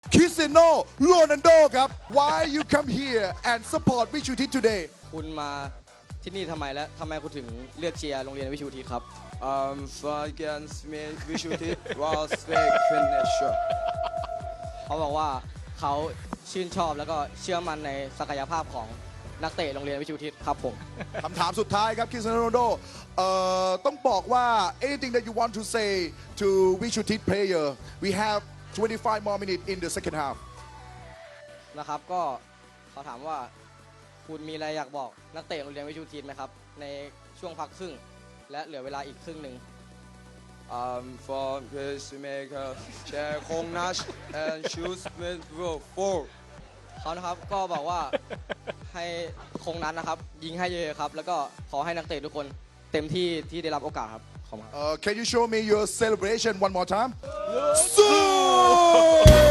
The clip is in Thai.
Cristiano Ronaldo ครับ Why you come here and support วิชูทิศ today คุณมาที่นี่ทำไมและทำไมคุณถึงเลือกเชียร์โรงเรียนวิชูทิศครับ Against me, we should it was fake finisher. เขาบอกว่าเขาชื่นชอบแล้วก็เชื่อมั่นในศักยภาพของนักเตะโรงเรียนวิชูทิศครับผมคำถามสุดท้ายครับ Cristiano Ronaldo ต้องบอกว่า anything that you want to say to วิชูทิศ player we have 25 more minutes in the second half นะครับก็เขาถามว่าคุณมีอะไรอยากบอกนักเตะโรงเรียนวิชูทิศไหมครับในช่วงพักครึ่งและเหลือเวลาอีกครึ่งหนึ่ง For pacemaker, check Hong Nash and shoes with four. เขานะครับก็บอกว่าให้คงนั้นนะครับยิงให้เยอะๆครับแล้วก็ขอให้นักเตะทุกคนเต็มที่ที่ได้รับโอกาสครับขอบคุณครับ Can you show me your celebration one more time?